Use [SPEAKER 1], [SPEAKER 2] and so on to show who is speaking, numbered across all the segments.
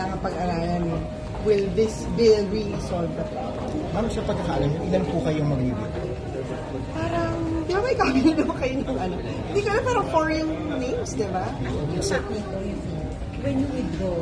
[SPEAKER 1] kailangan pag-aralan. Will this bill really solve the problem?
[SPEAKER 2] Ma'am, sa pagkakaalam, ilan po kayong mag-review?
[SPEAKER 1] Parang, di ba may kami na naman kayo ng ano? Hindi ko alam, parang 4 yung names, di ba?
[SPEAKER 3] Exactly. When you withdraw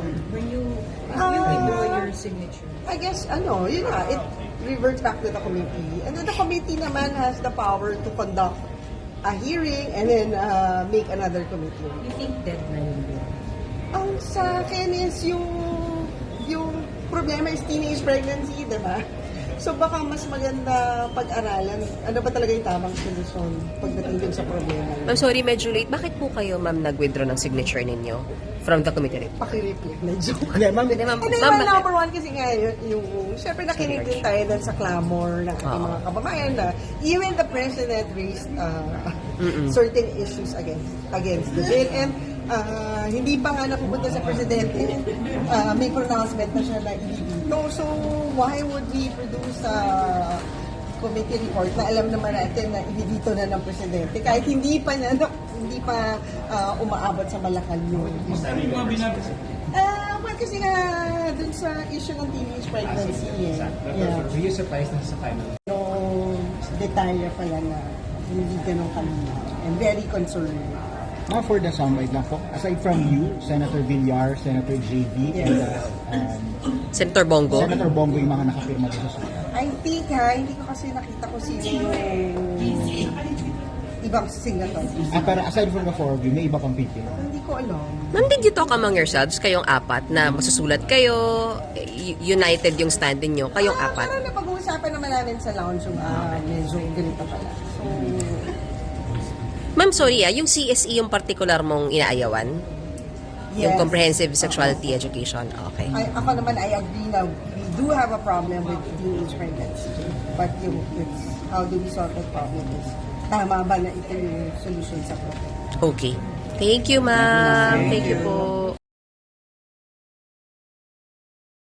[SPEAKER 3] your signature.
[SPEAKER 1] I guess, yun nga, it reverts back to the committee. And then the committee naman has the power to conduct a hearing and then make another committee.
[SPEAKER 3] You think deadline din?
[SPEAKER 1] Ang sa akin is yung problema is teenage pregnancy, di ba? So baka mas maganda pag-aralan ano ba talaga yung tamang solusyon pagdating din sa problema.
[SPEAKER 4] I'm sorry, medyo late. Bakit po kayo, ma'am, nag-withdraw ng signature ninyo from the committee?
[SPEAKER 1] Pakireply na joke.
[SPEAKER 2] Hindi, ma'am.
[SPEAKER 4] Hindi, ma'am.
[SPEAKER 1] And then,
[SPEAKER 4] Ma'am,
[SPEAKER 1] number one kasi nga yung syempre nakinig din tayo dun sa clamor ng ating mga kababayan na even the president raised certain issues against the bill. And hindi pa nga napupunta sa presidente, may pronouncement na siya na ibibito. So, why would we produce a committee report na alam naman natin na ibibito na ng presidente kahit hindi pa umaabot sa Malacan yun. Well, kasi nga dun sa issue ng teenage pregnancy yeah.
[SPEAKER 2] Were you surprised na sa final?
[SPEAKER 1] Detalye pala na hindi ganun kanina. I'm very concerned.
[SPEAKER 2] Ma'am, for the soundbite lang po, aside from you, Senator Villar, Senator JB, and
[SPEAKER 4] Senator Bongo?
[SPEAKER 2] Senator Bongo yung mga nakapirma dito sa
[SPEAKER 1] I think hindi ko kasi nakita ko sino yung ibang senator.
[SPEAKER 2] pero aside from the four of you, may iba pang pipila.
[SPEAKER 1] Hindi ko alam.
[SPEAKER 4] Ma'am, did you talk among yourselves, kayong apat, na masusulat kayo, united yung stand ninyo, kayong apat?
[SPEAKER 1] Parang napag-uusapan naman namin sa lounge yung medyo ganito pala. So,
[SPEAKER 4] Ma'am, sorry yung CSE yung particular mong inaayawan? Yung
[SPEAKER 1] yes.
[SPEAKER 4] Comprehensive Sexuality Education. Okay.
[SPEAKER 1] Ako naman, I agree na we do have a problem with teenage pregnancy. But it's how do we solve that problem is tama ba na ito yung solution sa problem?
[SPEAKER 4] Okay. Thank you, ma'am. Thank you po.